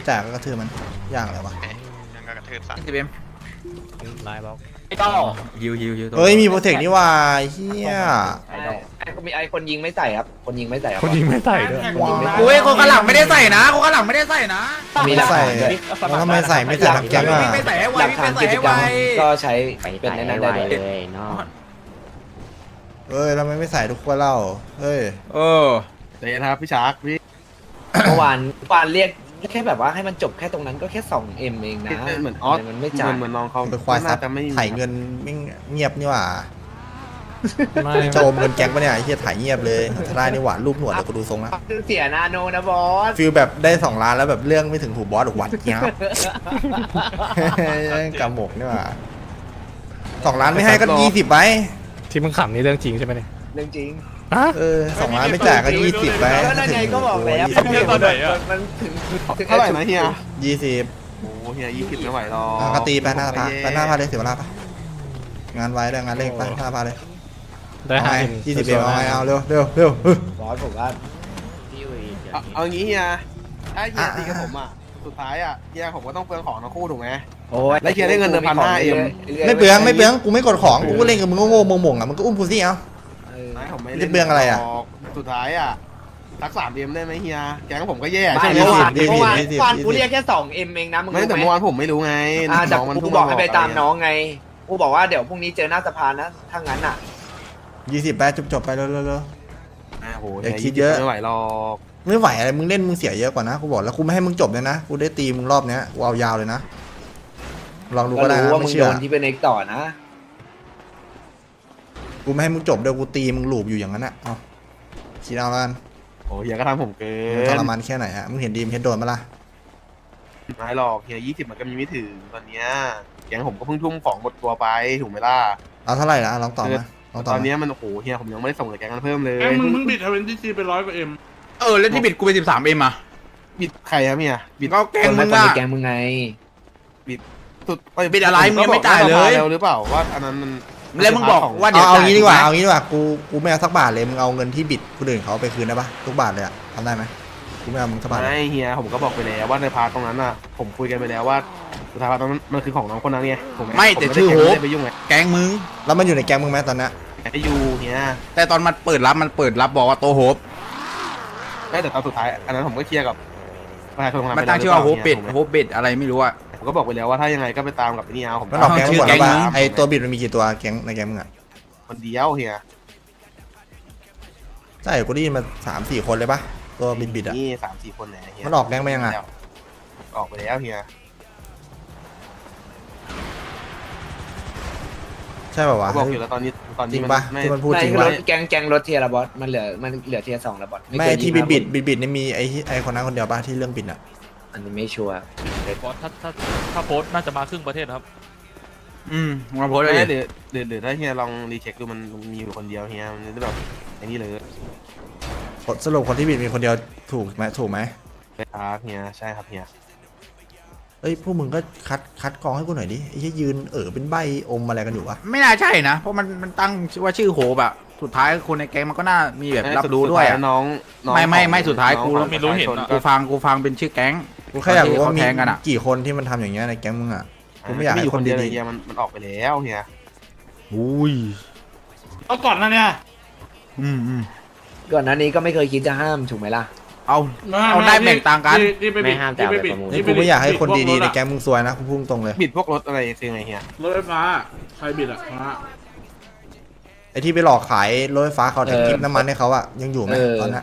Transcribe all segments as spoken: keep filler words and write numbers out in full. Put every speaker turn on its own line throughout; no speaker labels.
จ่ายก็กระทืบมันย่างอะไรวะ
ยังกระทืบสัตว์
สิบเอ็ม
นายบอก
ไอ้ต้อฮิวฮิวฮิว
เฮ้ยมีโปรเทคนี่ว่าเฮีย
ไอ้ไอ้มีไอ้คนยิงไม่ใส่ครับคนยิงไม่ใส่ครับ
คนยิงไม่ใส่ด้วย
กูไอ้คนข้างหลังไม่ได้ใส่นะคนข้างหลังไม่ได้ใส่นะ
มีหลัก
ใส่
ฐานด้วย
แล้วทำไมใส่ไม่ใส่ทำแก๊งอ่ะ
ไม่ใส่ให้ไว
หลัก
ไม่
ฐาน
ใส่
กิจ
ให้
กร
ไว
รมก็ใช้
ไป
เป็นในนั้น
ไว
ได้ด้วย
เลยเนาะ
เอ้ยแล้วทำไมไม่ใส่ทุกคนเล่าเฮ้ย
เออ
เดี๋ยวนะครับพี่ชาร์กพี่
เมื่อวานเมื่อวานเรียกแค่แบบว่าให้มันจบแค่ตรงนั้นก็แค่ สองเอ็ม เองนะ
เหมือนออส
ทำไมันไม่จ่าย
เหมือนน้องเขา
ไปควายซับ
น่จะไม่
ถ่ายเงินไม่เงียบนี่หว่า
ไม่
โจมเงินแก๊งปะเนี่ยไอ้เฮียถ่ายเงียบเลยถ้าได้นี่หว่ารูปหนวดเดี๋ยวกูดูทรงนะ
เสียนาโนนะบอส
ฟิลแบบได้สองล้านแล้วแบบเรื่องไม่ถึงหูบอสหรือหวัดเงี้ยกำหมกนี่หว่าสองล้านไม่ให้ก็ยี่สิบไป
ที่มึงขำนี่เรื่องจริงใช่ไหมเนี่ย
เรื่องจริง
ฮะ
เออสองล้านไม่จ่ายก็ยี่สิบไป
ก็นั่นไงก็บอกแล้ว มันถึงถึง
เท่าไหร่นะเฮีย
ยี่สิบ
โอ้เฮียยี่สิบไม่ไหวหรอก
อ่ะก็ตีไปหน้าพาไปหน้าพาเลยเสียเวลาปะงานไว้ด้วยงานเร่งไปหน้าพาเลย
ได้
เอา
ห้า
ไง
เอ็ม
ยี่สิบเอ็มเอาไงเอาเร็วเร็วเร็วเฮ้ย
บอสผมว่า
เอาเอางี้เฮียถ้าเฮีย
อ่ะ
ตีกับผมอ่ะสุดท้ายอ่ะเฮียผมก็ต้องเปลืองของทั้งคู่ถูกไหม
โอ้ย
แล้วเคลียร์ได้เงินเดือนพันห้าเอ็ม
ไม่เปลืองไม่เปลืองกูไม่กดของกูก็เล่นกับมึงโง่ๆมงๆอ่ะมึงก็อุ้มกูสิเอา
เออ
ไม่ผมไม่
จะเปลืองอะไรอะ
สุดท้ายอ่ะทักสามเอ็มได้ไหมเฮียแก๊งผมก็แย่
ไม่
ใช่ไหม
เมื่อวาน
ยี่สิบ
เมื่อวาน
ยี่สิบ
เมื่อวาน
ยี่สิบ
กูเรียกแค่ สองเอ็ม เองนะมึง
ไม่
รู้
แต่
ไหม
เมื่อวานผมไม่รู้ไง
อ่าแต่
น้องมัน
กู
เพิ่ง
บอกให้ไปตาม
ะร
น้องไงกูบอกว่าเดี๋ยวพรุ่งนี้เจอหน้าสภานะถ้างั้นอ่ะ
ยี่สิบไปจบจบๆไปเร็วเร็วเร็ว
อ่ะโห
อย่าคิดเยอะ
ไม่ไหวหรอก
ไม่ไหวอะไรมึงเล่นมึงเสียเยอะกว่านะกูบอกแล้วกูไม่ให้มึงจบเลยนะกูได้ตีมึงรอบเนี้ยกูเอายาวเลยนะลองดู
ก็
ก็ได้
รู้
นะ
ว่ามึ
ไม่
ง
เชื่
โด
อน
ที่เป็นเอกต่อนะ
กูไม่ให้มึงจบเดี๋ยวกูตีมึงหลูบอยู่อย่างนั้นนะเอาคิดเอาแล้วกัน
โอ้เฮียก็ทำผมเกิ
มึงท
น
รมานแค่ไหนฮะมึงเห็นดีมเห็นโดนมาละ
ไม่หรอกเฮียยี่สิบมันก็มีไม่ถึงตอนเนี้ยแก๊งผมก็เพิ่งทุ่มของหมดตัวไปถูกไหมล่ะ
เอาเท่าไหร่นะลองตอบมาลองตอบ
ตอน
มา
เนี้ยมันโอ้โหเฮียผมยังไม่ได้ส่งเลยแก๊งกันเพิ่มเลย
แกมึงมึงบิดทเวนตี้ซีไปร้อยกว่าเอ็ม
เออแล้วที่บิดกูไปสิบสามเอ็มอ่ะ
บิดใครครับเฮียบิด
ก็แกง
คน
มึ
มาง คน
อ่ะ
ในแกงมึงไง
สุด
บิดอะไรมึงยังไม่จ่ายเลย
ก็บอกว่แล้วหรือเปล่าว่าอันนั้นมัน
แล้วมึงบอกว่าเดี๋
เอา
ยว
เอา
จ่าย
งี้ดีกว่า
ถู
เอา
ไหม
งี้ดีกว่ากูกูไม่เอาสักบาทเลยมึงเอาเงินที่บิดคนอื่นเขาไปคืนได้ปะทุกบาทเลยอะทำได้ไหมกูไม่เอามึงสักบาทเลย
ไม่เฮียผมก็บอกไปแล้วว่าในพาร์ทตรงนั้นน่ะผมคุยกันไปแล้วว่าสุดท้ายพาร์ทตรงนั้นมันคือของน้องคนนั้นไงถูกไหม
ไม่แต่ชื่อโฮป
ไม่ได้ไปยุ่งไง
แกงมึง
แล้วมันอยู่ในแก๊งมึงไหมตอนเนี้ย
ไอยูเฮีย
แต่ตอนมันเปิดรับมันเปิดรับบอกว่าโตโฮป
ไม่แต่ตอนสุดท้ายอันนั้นผมก็เคลียร์กับประชาชนคนนั้น
มันตั้งชื่อว่าโฮปปิด
ถูกไหม
โฮปปิดอะไรไม่รู้อ่ะ
ผมก็บอกไปแล้วว่าถ้ายังไงก็ไปตามกับไอ้นี่เอาผม
มันออกแก๊ง
ชื่
หม
อ
ดแล้ว
แก๊
ป่ะ
งมึง
ไอตัวบิดมันมีกี่ตัวแก๊งในแก๊งมึงอะ
คนเดียวเฮีย
ใช่กูได้ยินมาสามสี่คนเลยปะตัวบิดบิดอะ
นี่สามสี่คนไหนเฮีย
มันออกแก๊งไปยังอะ
ออกไปแล้วเฮีย
ใช่ป่าวะ
เขาบอกอยู่แล้วตอนนี้ตอน
จริ
นี้
ง
มัน
ปะ
ไม่
ที่มันพูด
ไม่
จริง
คือ
ปะ
รถแกงแกงรถเทียร์ละบอสมันเหลือมันเหลือเทียร์สองละบอส
ไม่
เคย
ที่
ยิ
บิ
ง
ด
มา
บิดบิดบิดนี่มีไอที่ไอคนนั้นคนเดียวปะที่เรื่องบิดอะ
อันนี้ไม่ชัวร์
บอสถ้าถ้าถ้าโพสต์น่าจะมาครึ่งประเทศครับ
อืมมาโพสต์เล
ไม่
ย
เดี๋ยวเดี๋ยวเดี๋ยวถ้าเฮียลองรีเช็คดูมันมีอยู่คนเดียวเฮียมันจะแบบอย่างนี้เลย
สรุปคนที่บิดมีคนเดียวถูกไหมถูกไหม
ครับเฮียใช่ครับเฮีย
เอ้ยพวกมึงก็คัดคัดกรองให้กูหน่อยดิไอ้ที่ยืนเออเป็นใบอมอะไรกันอยู่วะ
ไม่น่าใช่นะเพราะมันมันตั้งว่าชื่อโฮปอะสุดท้ายคนในแก๊งมันก็น่ามีแบบรับรู้ด้วยอะ
น้อง
ไม่ไม่ไม่สุดท้ายกู
น้อง
ไม่รู้เห็น
ของ
อะ
กูฟังกูฟังเป็นชื่อแก๊ง
กูแค่อยากรู้ว่า
เขา
มี
แทงกันอะ
กี่คนที่มันทำอย่างเงี้ยในแก๊งมึงอะกูไม่อยาก
มี
ให้
อยู่
ค
คน นเดียวเลย
ดี
เฮียมันมันออกไปแล้วเฮีย
ๆอุ้ย
เอาก่อนนะเนี่ย
อืมอืม
ก่อนหน้านี้ก็ไม่เคยคิดจะห้ามถูกไหมล่ะ
เอา เอาได้แบ่งต่างกัน
ที่ที่ป
ไม่
บิด
ห้ามแต่เอาไป
ที่
ประมูล
นี่กูไม่อยากให้คนดีๆใน
บิ
แก๊งมึงซวยนะกูพุ่งตรงเลย
บิดพวกรถอะไรคือไงเฮีย
รถไฟฟ้าใครบิดอ่ะฟ้า
ไอ้ที่ไปหลอกขายรถไฟฟ้าเขาแทงกิฟน้ำมันให้เขาอะยังอยู่ไหม
เออ
ตอนนั้น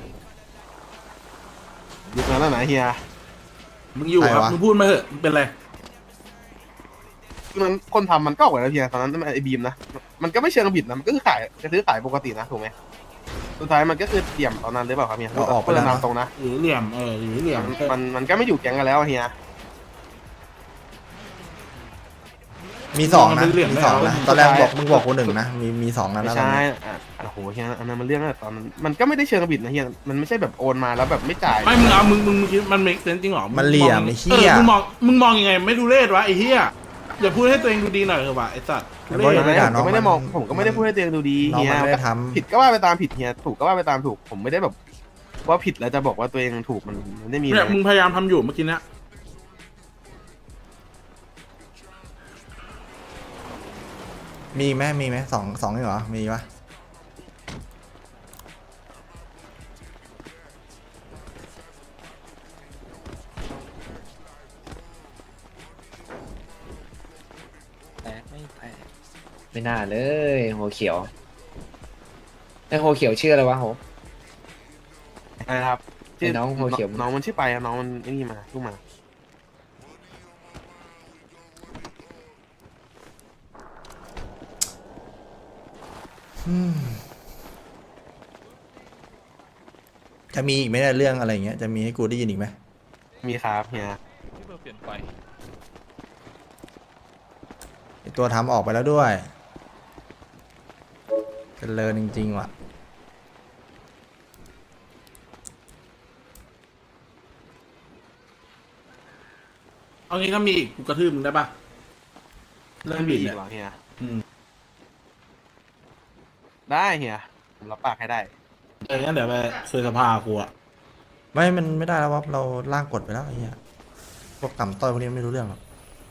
ยุคนั้นแล้วนะเฮีย
มึงอยู่ครับ
ใครวะ
มึงพูดมาเถอะเป็นไร
ยุคนั้นคนทำมันก็ออกไปแล้วเฮียตอนนั้นไอ้บีมนะมันก็ไม่เชิงบิดนะมันก็คือขายจะซื้อขายปกตินะถูกไหมสุดท้ายมันก็คือเตี่ยมตอนนั้นหรือเปล่าครับเฮีย
เราออกไป
เพื่
แล้
อ
วน นะ
นำตรงนะ
หรือเหลี่ยมเออหรือเหลี่ยม
มันมันมันก็ไม่อยู่แก๊งกันแล้วอะเฮีย
มีสองนะมีสองนะตอนแรกบอกมึงบอกกูหนึ่งนะมีมีสองนะ
ไม่
แล้ว
ใช่อ่ะโอ้โหเฮียอันนั้นมันเรื่องตั้งแต่ตอนนั้นมันก็ไม่ได้เชิงบิดนะเฮียมันไม่ใช่แบบโอนมาแล้วแบบไม่จ่าย
ไม่มึงเอามึงมึงมึงคิดมันเมคเซนจริงเหรอ
มันเหลี่ยม
ง
ไอ้
เอ
เหี้ย
อมึงมองมึงมองยังไงไม่ดูเลศวะไอ้เหี้ยอย่าพูดให้ตัวเองดูดีหน่อยเถอะวะไอ้สัตว์
ไอ้บอย
ทุ
ไม่
เรศ
ด่า
ผม
น้อง
ก็ไม่ได้มอง
มัน
ผมก็ไม่ได้พูดให้ตัวเองดูดี
น้อง
เฮีย
มันไม่ได้ทำ
ผิดก็ว่าไปตามผิดเฮียถูกก็ว่าไปตามถูก ผมไม่ได้แบบว่าผิดแล้วจะบอกว่าตัวเองถูกมันมันไม่ได้มี
เนี่ย
นะ
มึงพยายามทำอยู่เมื่อกี้เนี้ย
มีไหมมีไหมสองสองนี่เหรอมีปะ
แตกไม่แตกไม่น่าเลยโหเขียวไอโหเขียวชื่ออะไรวะโห
นะครับ
ไอ้น้องหัวเขียว
น้องมันชื่อไปอะน้องมันไอ้นี่มาลูกมา
จะมีอีกไหมเนี่ยเรื่องอะไรอย่างเงี้ยจะมีให้กูได้ยินอีกไหม
มีครับเฮีย
ที่เบอร์เปลี่ยนไป
ไอ้ตัวทำออกไปแล้วด้วยเจริญจริงๆว่ะ
เอางี้ก็มีอีกกูกระทืบมึงได้ปะเรื่องบิด
อี
เนี่ย
กเหรอเฮีย
อืม
ได้เฮียผมรับปากให้ได้
เอองั้นเดี๋ยวไปคุยสภากูอะ
ไม่มันไม่ได้แล้ววะเราล่างกฎไปแล้วไอ้เหี้ยพวกต่ำต้อยพวกนี้ไม่รู้เรื่องหรอก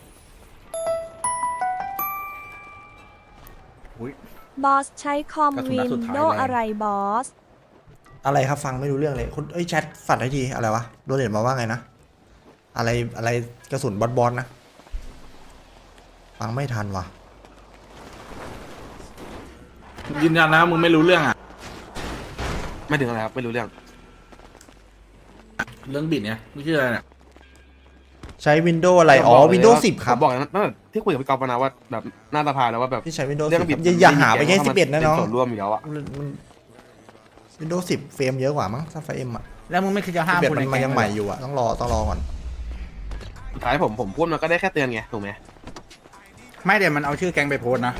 บอสใช้คอม
กระสุน
วิ
นัด
น
สุดท้าย
โด
เลย
อะไรบอส
อะไรครับฟังไม่รู้เรื่องเลยคุณเอ้ยแชทฝัดให้ทีอะไรวะโดนเด็ดมาว่าไงนะอะไรอะไรกระสุนบอลบอลนะฟังไม่ทันว่ะ
ยืนยันนะมึงไม่รู้เรื่องอะ
ไม่ถึงอะไรครับไม่รู้เรื่อง
เรื่องบิดเนี่ยไม่ชื่ออะไรเนี่ย
ใช้วินโดว์อะไรอ๋อ
ผมบกเลย
วินโดว์
ว่า
สิบครับ
ผมบอกนะตั้งแต่ที่คุยกับพี่กอล์ฟนะว่าแบบหน้าตาพาแล้วว่าแบบ
ที่ใช้วินโดว์
เรื่
สิ
อง
บ
บิด
อย่าอย่าหาไปแค่สิบเอ็ดนะน้อง
เป็ส่วนร่วมอยู่แล้วอะ
มันวินโดว์สิบเฟรมเยอะกว่ามั้งถ้าไฟเอ็มอ่ะ
แล้วมึงไม่คิดจะห้าม
สิบเอ็ด
คน
มั
ใน
นมัน
แก๊
ยัง
ง
ใหม่
เหรอ
อยู่อ่ะต้องรอต้องรอก่อน
สุดท้ายผมผมพูดมันก็ได้แค่เตือนไงถูกไหม
ไม่เดี๋ยวมันเอาชื่อแก๊งไปโพสต์นะ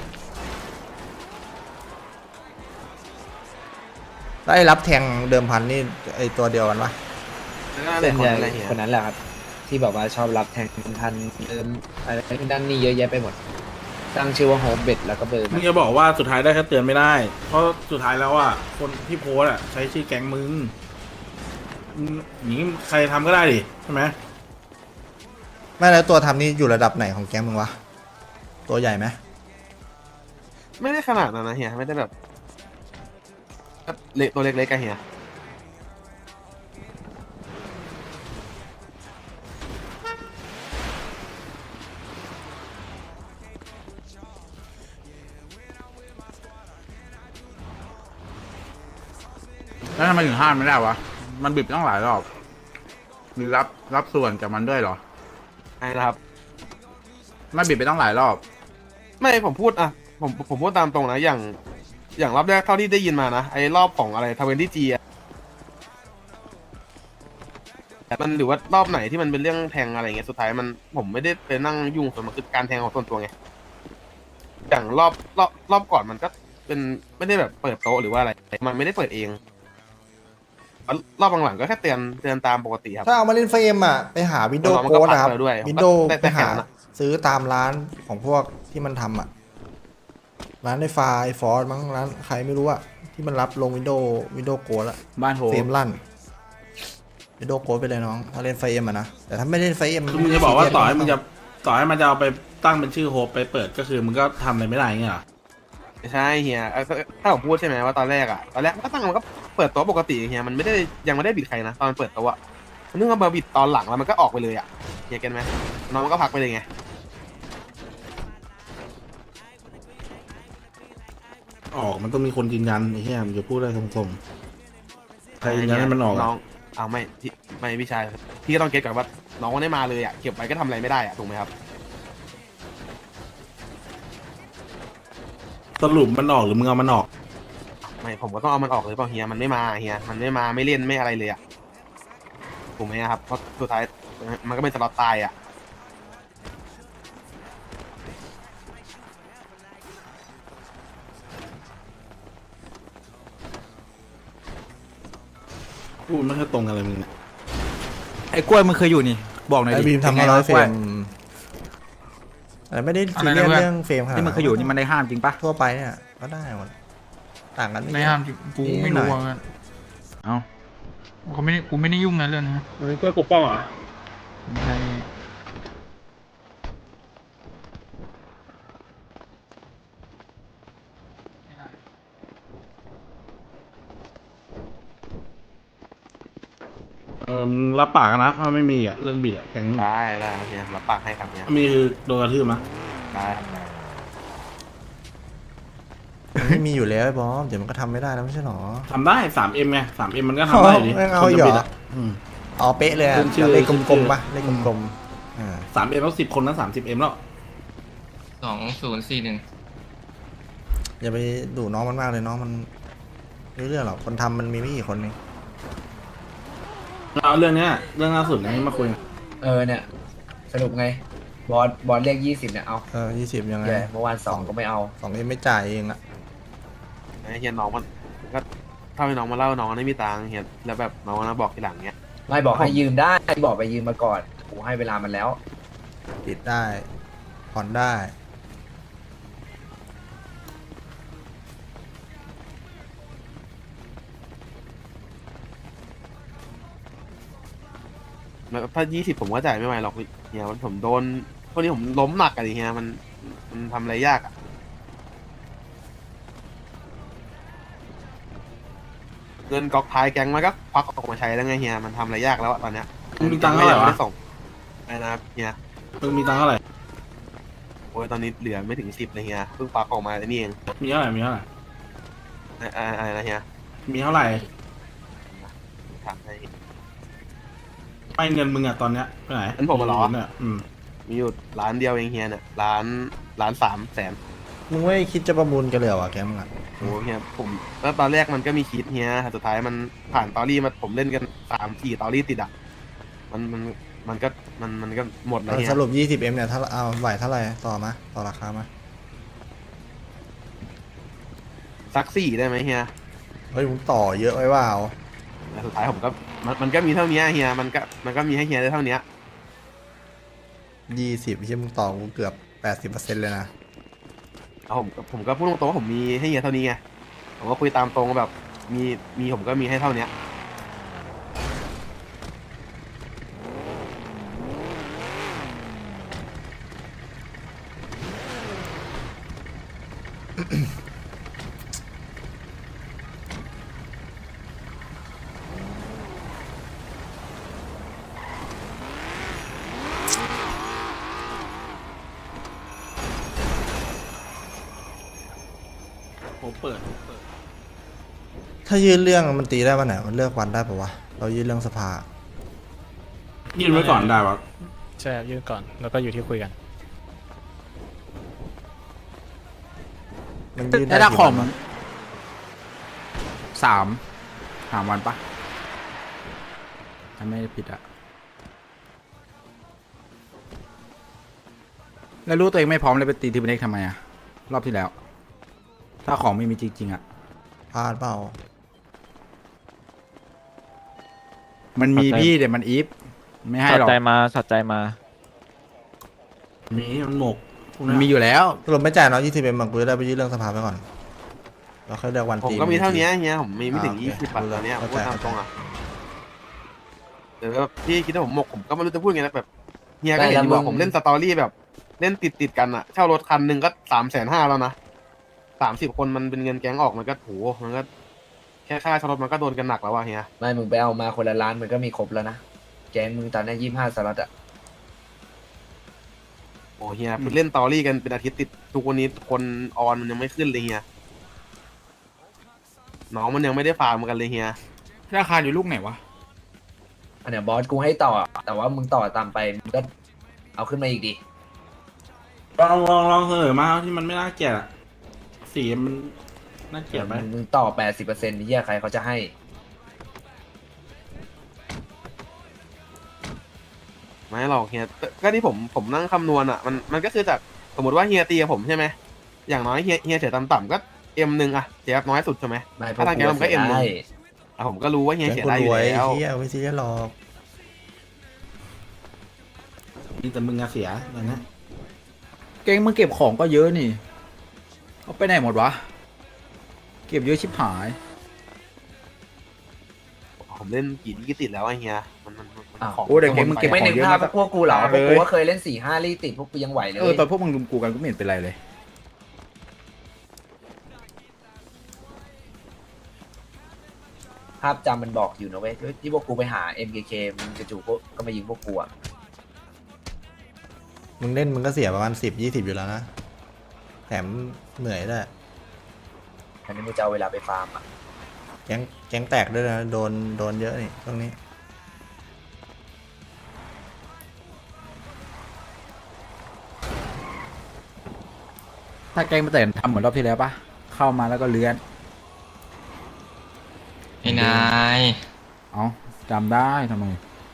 ได้รับแทงเดิมพันนี่ไอตัวเดียวกันปะ
แล้วก็
เป็
เป็น น
ให
คน
ญ่
อะไรเฮีย
คนนั้นแหละครับ ที่บอกว่าชอบรับแทงทันเติมอะไรด้านนี้เยอะแยะไปหมด ตั้งชื่อว่าโฮมเบ็ดแล้วก็เบอร์
มึงจะบอกว่าสุดท้ายได้แค่เตือนไม่ได้ เพราะสุดท้ายแล้วอะคนที่โพสต์อะใช้ชื่อแก๊งมึงมึงอย่างนี้ใครทำก็ได้ดิใช่ไหม
ไม่แล้วตัวทำนี่อยู่ระดับไหนของแก๊งมึงวะตัวใหญ่ไหม
ไม่ได้ขนาดนั้นนะเฮียไม่ได้แบบก็เล็กตัวเล็กๆกันเฮีย
แล้วทำไมถึงห้ามไม่ได้วะ มันบิดตั้งหลายรอบ มีรับรับส่วนจากมันด้วยเหรอ
ไอ้นะครับ
ไม่บิดไปตั้งหลายรอบ
ไม่ผมพูดอะผมผมพูดตามตรงนะอย่าง อย่างรอบแรกเท่าที่ได้ยินมานะไอ้รอบของอะไรทเวนตี้จีอะมันหรือว่ารอบไหนที่มันเป็นเรื่องแทงอะไรเงี้ยสุดท้ายมันผมไม่ได้ไปนั่งยุ่งส่วนมันคือการแทงของส่วนตัวไงอย่างรอบรอบรอบก่อนมันก็เป็นไม่ได้แบบเปิดโต๊ะหรือว่าอะไร มันไม่ได้เปิดเองรอบหลังๆก็แค่เตือนเตือนตามปกติครับ
ถ้าเอามาเล่นไฟเอ็มอ่ะไปหาวินโดว์
แล้วมัน
โค้
ก็
ดนะครับ
ปักไว้ด้วย
วินโดว์
แต่
ไป
แต่แค่
หา
นั้นอะ
ซื้อตามร้านของพวกที่มันทำอ่ะร้านไอฟาไอฟอร์มั้งร้านใครไม่รู้อ่ะที่มันรับลงวินโดว์วินโดว์โค้ดอะ
บ้านโห
เฟรมลั่นวินโดว์โค้ดไปเลยน้องถ้าเล่นไฟเอ็มอ่ะนะแต่ถ้าไม่เล่นไฟเอ็ม
คือมึงจะบอกว่าต่อให้มึงจะต่อให้มันจะเอาไปตั้งเป็นชื่อโฮปไปเปิดก็คือมึงก็ทำอะไรไม่ได้เงี้ยเหรอ
ไม่ใช่เฮียเอ่อถ้าถ้าผมพูดใช่ไหมว่าตอนแรกอะตอนแรกมันก็ตั้งมันก็เปิดโต๊ะปกติเฮียมันไม่ได้ยังไม่ได้บิดใครนะตอนเปิดโต๊ะอะมันนึกว่ามาบิดตอนหลังแล้วมันก็ออกไปเลยอะเฮียเก็ตไหมน้องมันก็พักไปเลยไง
ออกมันต้องมีคนยืนยันไอ้เหี้ยมึงจะพูดได้ตรงๆใครยืนยันให้มันออก
น้
อะ
องเอาไม่พี่ไม่พี่ชายพี่ก็ต้องเก็ตก่อนว่าน้องมันได้มาเลยอะเก็บไว้ก็ทำอะไรไม่ได้อะถูกไหมครับ
สรุปมันออกหรือมึงเอามันออก
ไม่ผมก็ต้องเอามันออกเลยเปล่าเฮียมันไม่มาเฮียมันไม่มาไม่เล่นไม่อะไรเลยอะถูกไหมครับเพราะสุดท้ายมันก็เป็นสล็อตตายอะ
พูดไม่ค่อยตรงกันเลยมึงเนี่ย
ไอ้กล้วยมึงเคยอยู่นี่ บอกหน่อย
ไอ
ดิ
บีมทำ
ป็
มาน
ไง
ร้อ
วะ
ยเฟร
กล้วย
มแต่ไม่ได้
อะ
ซี
ไร
เรีย
นะ
ส
เพื่อน
เรื่องเฟรมขนาด
ที่มึงเคยอยู่นี่มันได้ห้ามจริงปะ
ทั่วไปเนี่ยก็ได้หมดต่างกัน
ไม่ห้ามจริงกูไม่รู้ว่า
เอ้า
เขาไม่ได้กูไม่ได้ยุ่งนะเรื่องนี้
เฮ้ยกล้วยปกป้องเหรอ
ไม่ใช่
ออมึงรับปากกันนะถ้าไม่มีอ่ะเรื่องบิดอ่ะแก๊ง
ได้ได้ครับเฮียรับปากให้ครับเฮีย
ถ้ามีคือโดนกระทืบมั้ย
ได้ครับได้
มันไม่มีอยู่แล้วไอ้บอสเดี๋ยวมันก็ทำไม่ได้แล้วไม่ใช่หรอ
ทำได้ สามเอ็ม ไง สาม เอ็ม มันก็ทำได้อยู่ดิ
ไม่เอา
คน
อีก
จะ
เหร
บิด
อ
อ่ะอืม
เอาเป๊ะเลยอะ
ขึ้นชื่อ
เลขก
ขึ้นชื่
ลม
อ
ๆปะเลขกลมๆอ่า
สามเอ็มแล้วสิบคนนั้นสามสิบเอ็มแล้ว
สองศูนย์สี่หนึ่ง
อย่าไปดูน้องมันมากเลยน้องมันไม่รู้เรื่องหรอกคนทำมันมีไม่กี่คนเอง
เอาเรื่องเนี้ยเรื่องล่าสุดนี้มาคุย
เออเนี่ย สรุปไง บอสบอสเลขยี่สิบเนี่ยเอา
เออยี่สิบยังไง
แย่เมื่อวานสองก็ไม่เอา
สองเอ็มไม่จ่ายเองอะ
ไอ้เฮียน้องมันก็ถ้าให้น้องมาเล่าน้องมันไม่มีตังค์เฮียแล้วแบบน้องมันมาบอกทีหลังเนี้ย
ไม่บอกให้ยืมได้บอกไปยืมมาก่อนกูให้เวลามันแล้ว
ปิดได้ผ่อนได้
แล้วถ้ายี่สิบผมก็จ่ายไม่ไหวหรอกเฮียผมโดนพวกนี้ผมล้มหนักอะดิเฮียมันมันทำอะไรยากอะเงินก๊อกท้ายแก๊งมันก็ควักออกมาใช้แล้วไงเฮียมันทำอะไรยากแล้วอะตอนเนี้ย
มึงมีตังค์เท่าไหร่วะ
ม่ด้ส่งไอ้นะครับเฮีย
มึงมีตังค์เท่าไหร่
โอ้ยตอนนี้เหลือไม่ถึงสิบเลยเฮียเพิ่งควักออกมาไอ้นี่เอง
มีเท่าไหร่ มีเท่าไหร่
ไอ้ไอ้อะไรนะเฮีย
มีเท่าไหร่
ถามให้
ไม่เงินมึงอ่ะตอนเนี้ยไปไหน
งั้นผมมาเหรอ
เนี่ยอืม
มีอยู่ร้านเดียวเองเฮียเนี่ยร้านร้านสามแสน
มึงไม่คิดจะประมูลกันเลยเหรอวะแกมึงอะ
โอ้เฮียผมแล้วตอนแรกมันก็มีคิดเฮียแต่สุดท้ายมันผ่านตอรี่มาผมเล่นกันสามสี่ตอรี่ติดอ่ะมันมันมันก็มันมันก็หมดแล้ว
เออ
เฮีย
สรุปยี่สิบเอ็มเนี่ยถ้าเอาไหวเท่าไหร่ต่อมาต่อราคามา
สักสี่ได้ไหมเฮีย
เฮ้ยมึงต่อเยอะไว้ว่าเอา
แต่สุดท้ายผมก็มันมันก็มีเท่านี้เฮียมันก็มันก็มีให้เฮียได้เท่านี้
ยี่สิบที่มึงต่อกูเกือบแปดสิบเปอร์เซ็นต์เลยนะ
เอาผมผมก็พูดตรงๆว่าผมมีให้เฮียเท่านี้ไงผมก็คุยตามตรงว่าแบบมีมีผมก็มีให้เท่านี้
ผมเปิด
ถ้ายื่นเรื่องมันตีได้วันไหนมันเลือกวันได้ปะวะเรายื่นเรื่องสภา
ยื่นไว้ก่อนได้ปะ
ใช่ครับยื่นก่อนแล้วก็อยู่ที่คุยกัน
มันยื่นได้
ถ้า
กี่
ขอ
วั
ง
น
มั
วะ
นสามสามวันปะถ้าไม่ได้ผิดอะแล้วรู้ตัวเองไม่พร้อมเลยไปตีทีมเล็กทำไมอะรอบที่แล้ว ถ้าของไม่มีจริงๆอะ
พลาดเปล่า
มันมีพี่เดี๋ยวมันอีฟไม่ให้
สั
หรอก
ใจมาสัใจมา
มีมันหมกพวก
มัน
เนี้ย
มีอยู่แล้ว
สรุปไม่จ่ายเนาะยี่สิบเอ็มมันกูจะได้ไปยื่นเรื่องสภาไปก่อนเราค่อยเลือกวัน
ผม
ตี
ก็มีเท่านี้เฮียผมมีไม่ถึง
อ่า
ยี่
โอ
สิบ
เค
บาทตอนเนี้ยผม
เข้าใจ
พูดตามตรงอ่ะเดี๋ยวแบบพี่คิดว่าผมหมกผมก็ไม่รู้จะพูดไงนะแบบเฮียก็เห็นอยู่ว่าผมเล่นสตอรี่แบบเล่นติดติดๆกันอ่ะเช่ารถคันหนึ่งก็สามแสนห้าแล้วนะสามสิบคนมันเป็นเงินแก๊งออกมันก็โหมันก็แค่ค่าเช่ารถมันก็โดนกันหนักแล้วว่ะเฮีย
ไม่มึงไปเอามาคนละล้านมันก็มีครบแล้วนะ แกงมึงตอนนี้ยี่ห้าสล็อตอะ
โอ้เฮียเล่นสตอรี่กันเป็นอาทิตย์ติดทุกวันนี้คนออนมันยังไม่ขึ้นเลยเฮียน้องมันยังไม่ได้ฟาร์มกันเลยเฮีย
ราคาอยู่ลูกไหนวะ
อันเนี้ยบอสกูให้ต่อ แต่ว่ามึงต่อตามไปมึงก็เอาขึ้นมาอีกดิ
ลองลองลองเสนอมาที่มันไม่น่าเกลียดอ่ะสีมันน่าเกลียดไหม
มึงต่อแปดสิบเปอร์เซ็นต์ที่ใครเขาจะให้
ไม่หรอกเฮียก็ที่ผมผมนั่งคำนวณอ่ะมันมันก็คือจากสมมติว่าเฮียตีกับผมใช่ไหมอย่างน้อยเฮียเฮียเสียต่ำๆก็เอ็มหนึ่งอะเสียน้อยสุดใช่ไหม
ไม่พว
ถ้าทางแกมันก็เอ็มหนึ่ง
ได้
อ่ะผมก็รู้ว่าเฮีย
แก
เสีย
คน
ได้อ
ร
ยู่
วย
แล้ว
เฮียไม่ซีเรียสหรอก
มีแต่มึงอะเสียอย่างเนี้ย
เก่งมึงเก็บของก็เยอะนี่เอาไปไหนหมดวะ เก็บเยอะชิบหาย
ผมเล่นกี่ดีกี่ติดแล้วไอ้เฮียมันมันมัน
อ้าว
ของ
โอ้เด็กเก่งมึงเก็บ
ไม่
ขอ
นึ
ง
ก
เยอะ
ภาพ
นะ
พวกกูเหรอพ
เล
วก
ย
กูก็เคยเล่นสี่ห้าลี่ติดพวกกูยังไหวเลย
เออตอนพวกมึงรุมกูกันกูไม่เห็นเป็นไรเลย
ม
ภาพจำมันบอกอยู่นะเว้ยที่พวกกูไปหา เอ็ม เค เค มึงจู่ๆก็ก็มายิงพวกกูอ่ะ
มึงเล่นมึงก็เสียประมาณสิบยี่สิบอยู่แล้วนะแถมเหนื่อยด้วย
อันนี้มึงจะเอาเวลาไปฟาร์มอ่ะ
แก๊งแก๊งแตกด้วยนะโดนโดนเยอะนี่ตรงนี้
ถ้าแกงมาแต่ทำเหมือนรอบที่แล้วปะเข้ามาแล้วก็เลื้อน
ไอ้นาย
เอาจำได้ทำไม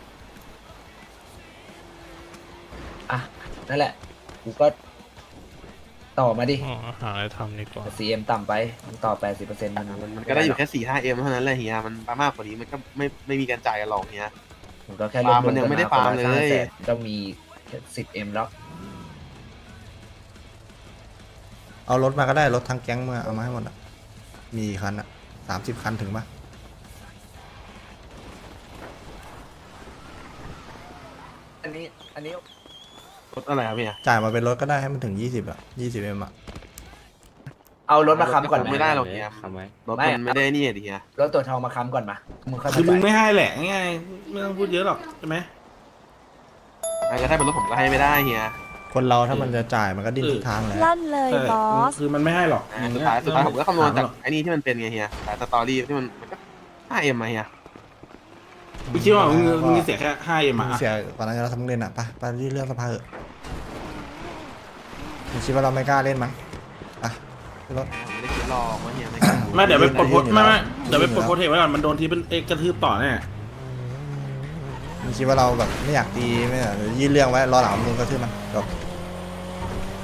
อ่ะนั่นแหละกูก็ต่อมาดิ
อ๋อหาอะไรทำดีกว่า
ซีเอ็มต่ำไปมึงต่อ แปดสิบเปอร์เซ็นต์ มัน
มันมันก็ได้อยู่แค่สี่ห้าเอ็มเท่านั้นแหละเฮียมันมากกว่านี้มันก็ไม่ไม่มีการจ่ายกันหรอกเฮีย
มันก็แค่รวบ
ฟาร์ม
รว
มันยังไม่ได้
กั
ฟาร์มเลย
คนละห้าแสนก็มีสิบเอ็มแล้ว
เอารถมาก็ได้รถทั้งแก๊งมาเอามาให้หมดอ่ะมีกี่คันอ่ะสามสิบคันถึงปะ
อันนี้อันนี้
รถอะไรครับเฮีย
จ่ายมาเป็นรถก็ได้ให้มันถึงยี่สิบอ่ะยี่สิบเอ็มอ่ะ
เอารถมาค้ำก่อนไหม
ไม่ได้หรอกเฮียรถมันไม่ได้นี่ดิเฮีย
รถตัวทองมาค้ำก่อนมามึงค่อย
คือ
มา
มึง
จ่าย
ไม่ให้แหละง่ายๆไม่ต้องพูดเยอะหรอกใช่ไหม
มันก็ถ้าเป็นรถผมก็ให้ไม่ได้เฮีย
คนเราถ้ามันจะจ่ายมันก็ดิ้นทุกทางแหละ
ลั่นเลย
ใช่
บอส
คือมันไม่ให้หรอก
อ่าสุดท้ายสุดท้ายผมก็คำนวณจากไอ้นี่ที่มันเป็นไงเฮียแต่สตอรี่ที่มันมันก็ห้าเอ็มมาเฮีย
พี่คิดว่ามึงมึงเสียแค่ห้าเอ็ม
มึง
อ่ะ
เสียกว่านั้นเราทำเล่นอ่ะไปไปที่เรื่องสภาเถอะมึงคิดว่าเราไม่กล้าเล่นมั้งอ่ะขึ้นรถ
ผมไม่ได้คิดหรอกว่าเฮียไม่กล้า
ไม่เดี๋ยวไปปลดโพส
ยื่นอยู่
ไม่
แล้ว
ไม่เดี๋ยวไปปลด
ยื่นอยู่แล้ว
โพสเทคไว้ก่อนมันโดนทีเป็นเอกกระทืบต่อแน่
มึงคิดว่าเราแบบไม่อยากตีไม่อยากยื่นเรื่องไว้รอหลังมึงก็ทื่อมันจบ